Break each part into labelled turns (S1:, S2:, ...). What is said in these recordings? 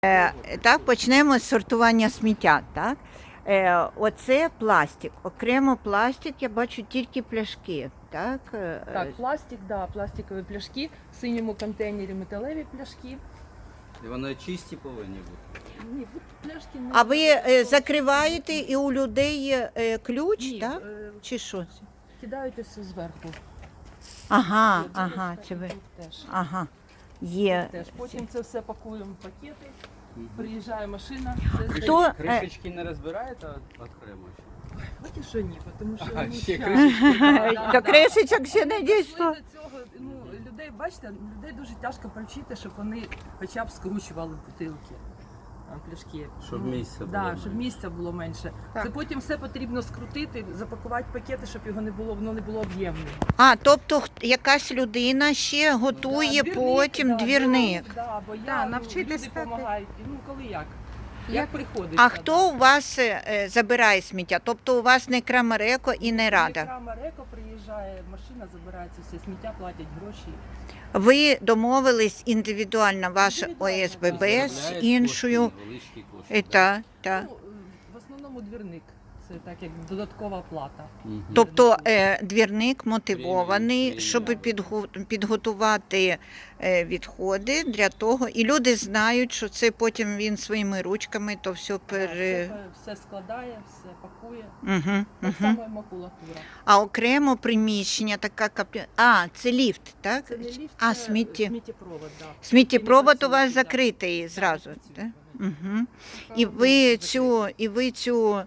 S1: Так, почнемо з сортування сміття. Так? Оце пластик. Окремо пластик, я бачу тільки пляшки. Так,
S2: Так, пластик, да, пластикові пляшки, в синьому контейнері металеві пляшки.
S3: І вони чисті повинні бути.
S2: Ні, пляшки не.
S1: А ви закриваєте і у людей ключ,
S2: Ні,
S1: так? Чи що?
S2: Кидають все зверху.
S1: Ага,
S2: Тут
S1: ага,
S2: теж,
S1: це ви.
S2: тут теж.
S1: Ага. Є.
S2: Теж. Потім це все пакуємо в пакети, приїжджає машина.
S1: Хто?
S3: Кришечки не розбираєте окремо?
S2: Поки що ні, тому що
S3: А,
S2: ну,
S3: ще
S2: щас.
S3: кришечки.
S1: До кришечок ще не
S2: Дійшли
S1: дійшло.
S2: до цього, ну, людей, бачите, людей дуже тяжко привчити, щоб вони хоча б скручували бутилки, пляшки.
S3: Щоб місця було
S2: да,
S3: менше.
S2: щоб місця було менше.
S1: Так.
S2: Це потім все потрібно скрутити, запакувати пакети, щоб його не було, воно не було об'ємне.
S1: А, тобто якась людина ще готує потім двірник.
S2: Да, бо
S4: Да,
S2: я,
S4: навчитись
S2: люди
S4: стати.
S2: допомагають. Ну, коли як? Як приходить.
S1: А хто у вас забирає сміття? Тобто у вас не Крамареко і не Рада?
S2: Крамареко приїжджає, машина забирається, все сміття, платять гроші.
S1: Ви домовились індивідуально, ваш
S2: Індивідуально,
S1: ОСББ
S2: так.
S1: з
S3: Заробляють
S1: іншою.
S3: кошти, невеличкі кошти,
S1: Та.
S2: Ну, в основному двірник. Це так як додаткова плата.
S3: Мгм.
S1: Тобто двірник мотивований,
S3: Премію,
S1: щоб
S3: премію.
S1: підготувати відходи для того, і люди знають, що це потім він своїми ручками то все
S2: Все складає, все пакує.
S1: Угу,
S2: Так
S1: угу.
S2: само і макулатура.
S1: А окремо приміщення, така А, це ліфт, так?
S2: Це не ліфт,
S1: А,
S2: це сміттєпровод, да.
S1: Сміттєпровод у
S2: Він
S1: вас
S2: працює, да.
S1: закритий зразу,
S2: працює
S1: так?
S2: вони.
S1: Угу.
S2: Правда,
S1: І ви цю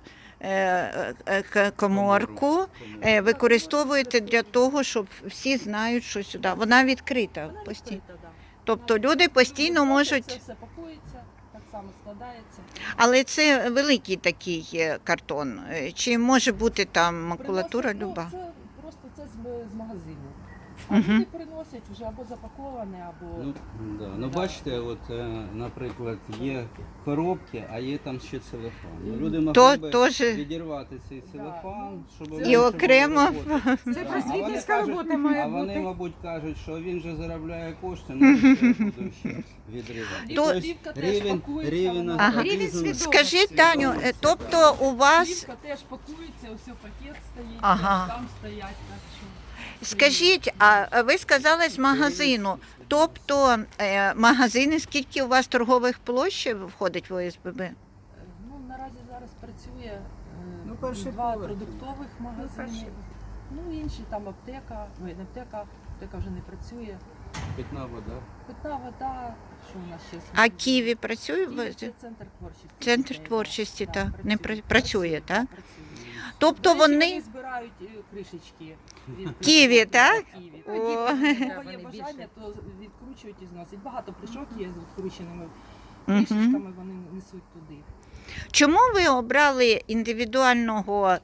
S1: коморку використовуєте для того, щоб всі знають, що сюди. Вона відкрита
S2: Вона
S1: постійно.
S2: відкрита, да.
S1: Тобто люди постійно
S2: Це
S1: можуть,
S2: все пакується, так само складається.
S1: але це великий такий картон. Чи може бути там макулатура
S2: Приносять,
S1: люба?
S2: Ну, це просто це з магазину. А
S1: Мгм.
S2: люди приносять вже або запаковане, або
S3: Ну, да. Ну
S2: Да.
S3: бачите, от, наприклад, є коробки, а є там ще целофан. Ну, люди
S1: То
S3: могли би
S1: теж
S3: відірвати цей
S2: Да.
S3: целофан, щоб
S2: І
S3: менше
S1: окремо.
S3: було роботи.
S4: Це
S3: Да. А
S4: просвітницька
S3: вони
S4: робота
S3: кажуть-
S4: має
S3: А вони,
S4: бути.
S3: мабуть, кажуть, що він же заробляє кошти, ну що я буду ще відривати.
S2: І
S1: То-
S2: плівка теж пакується,
S3: рівень
S2: вона-
S1: Ага.
S4: Рівень
S3: аутизму.
S4: свідомості.
S1: Скажіть, Таню, тобто у вас,
S2: Плівка теж пакується, ось пакет стоїть,
S1: Ага.
S2: там стоять, так що.
S1: скажіть, а ви сказали з магазину, тобто магазини, скільки у вас торгових площ входить в ОСББ?
S2: Ну, наразі зараз працює
S4: Ну, перший
S2: два
S4: поверх.
S2: продуктових магазини. Ну, інші там аптека, не аптека, аптека вже не працює.
S3: Питна вода.
S2: Питна вода, що у нас ще?
S1: А Києві працює?
S2: Київ – це центр творчості.
S1: Центр
S2: дітей,
S1: творчості,
S2: да,
S1: так, не
S2: працює,
S1: працює, так?
S2: Працює.
S1: Тобто
S2: До речі,
S1: вони
S2: збирають кришечки. від
S1: Києві,
S2: кришок,
S1: так?
S2: да, Києві.
S1: О.
S2: Кого є
S4: Вони
S2: бажання, то відкручують і зносять. Багато пляшок є з відкрученими
S1: Мгм.
S2: кришечками, вони несуть туди.
S1: Чому ви обрали індивідуального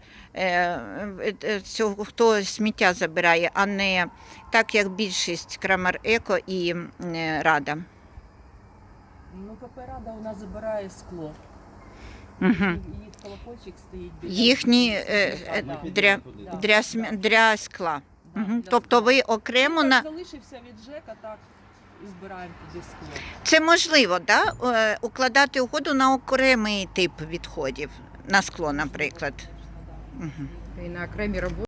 S1: цього, хто сміття забирає, а не так, як більшість Крамареко і Рада?
S2: Ну, КП «Рада» у нас забирає скло.
S1: Угу.
S2: Їх колокольчик стоїть. біля-
S1: Їхні
S3: Ми
S1: для,
S3: підемо туди.
S1: для скла.
S2: Да,
S1: Угу.
S2: для
S1: Тобто
S2: скла.
S1: ви окремо
S2: Ну,
S1: на
S2: так залишився від ЖЕКа, так і збираємо туди скло.
S1: це можливо, да? Укладати угоду на окремий тип відходів, на скло, наприклад.
S2: Можна, да.
S1: Угу.
S4: І на окремі роботи.